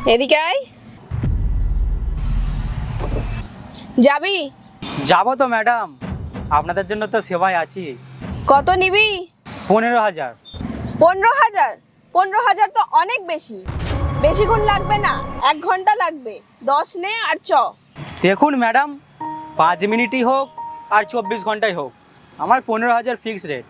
এদিকে আয়। যাবি? যাবো তো ম্যাডাম, আপনাদের জন্য তো সেবায় আছি। কত নিবি? 15,000। 15,000? 15,000 তো অনেক বেশি। বেশিক্ষণ লাগবে না, 1 ঘন্টা লাগবে। 10 নে আর চ। দেখুন ম্যাডাম, 5 মিনিটই হোক আর 24 ঘন্টাই হোক, আমার 15,000 ফিক্স রেট।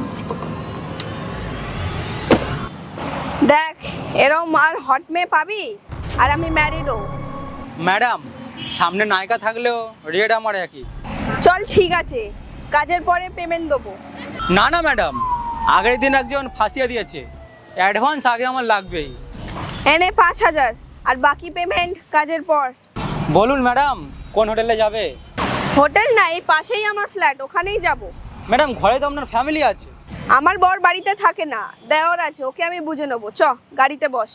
দেখ, এরম আর হট মেয়ে পাবি? আর আমি ম্যারিডও। ম্যাডাম, সামনে নায়িকা থাকলেও রেট আমার একই। চল ঠিক আছে, কাজের পরে পেমেন্ট দেবো। না না ম্যাডাম, আগের দিন একজন ফাঁসিয়ে দিয়েছে, অ্যাডভান্স আগে আমার লাগবেই। এনে 5,000, আর বাকি পেমেন্ট কাজের পর। বলুন ম্যাডাম, কোন হোটেলে যাবে? হোটেল না, এই পাশেই আমার ফ্ল্যাট, ওখানেই যাব। ম্যাডাম, ঘরে তো আপনার ফ্যামিলি আছে। আমার বর বাড়িতে থাকে না, দেওর আছে, ওকে আমি বুঝে নেবো। চ, গাড়িতে বস।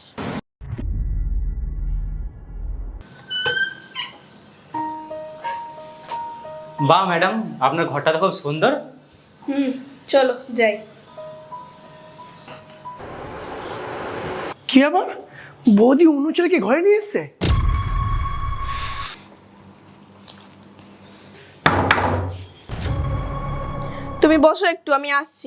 বাহ ম্যাডাম, আপনার ঘরটা তো খুব সুন্দর। চলো যাই। কি ব্যাপার, বৌদি অন্য ছেলেকে ঘরে নিয়ে এসছে? তুমি বসো একটু, আমি আসছি।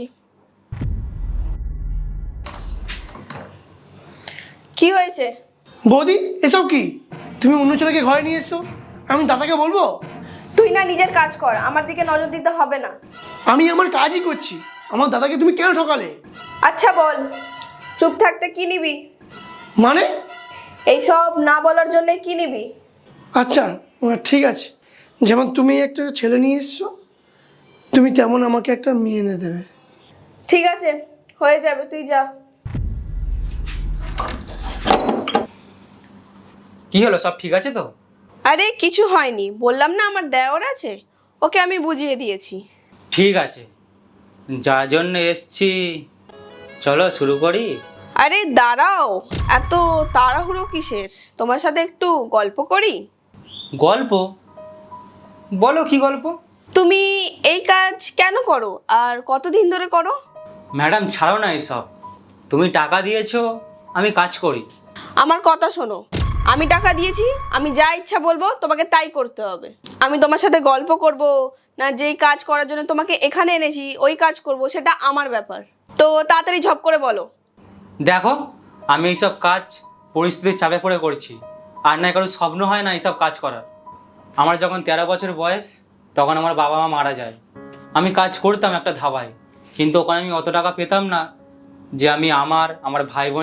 কি হয়েছে? বৌদি, এসব কি? তুমি অন্য ছেলেকে ঘরে নিয়ে এসছো, আমি দাদাকে বলবো? তুই না নিজের কাজ কর, আমার দিকে নজর দিতে হবে না। আমি আমার কাজই করছি, আমার দাদাকে তুমি কেন ঠকালে? আচ্ছা বল, চুপ থাকতে কি নিবি? মানে? এইসব না বলার জন্য কি নিবি? আচ্ছা, ঠিক আছে। যেমন তুমি একটা ছেলে নিয়ে এসছো, তুমি তেমন আমাকে একটা মেয়ে এনে দেবে। ঠিক আছে, হয়ে যাবে, তুই যা। কি হলো, সব ঠিক আছে তো? আরে কিছু হয়নি, বললাম না আমার দেওর আছে, ওকে আমি বুঝিয়ে দিয়েছি। ঠিক আছে, যার জন্য এসছি, চলো শুরু করি। আরে দাঁড়াও, এত তাড়াহুড়ো কিসের? তোমার সাথে একটু গল্প করি। গল্প? বলো, কি গল্প? তুমি এই কাজ কেন করো আর কতদিন ধরে করো? ম্যাডাম ছাড়ো না এসব, তুমি টাকা দিয়েছো, আমি কাজ করি। আমার কথা শোনো, আমি টাকা দিয়েছি, আমি যা ইচ্ছা বলবো তোমাকে তাই করতে হবে। আমি তোমার সাথে গল্প করব না, যেই কাজ করার জন্য তোমাকে এখানে এনেছি ওই কাজ করব, সেটা আমার ব্যাপার। তো তাড়াতাড়ি ঝপ করে বলো। দেখো, আমি এইসব কাজ পরিস্থিতির চাপে পড়ে করছি, আর না কারো স্বপ্ন হয় না এইসব কাজ করার। আমার যখন 13 বছর বয়স, তখন আমার বাবা মা মারা যায়। আমি কাজ করতাম একটা ধাবায়, কিন্তু ওখানে আমি অত টাকা পেতাম না যে আমি আমার ভাই বোন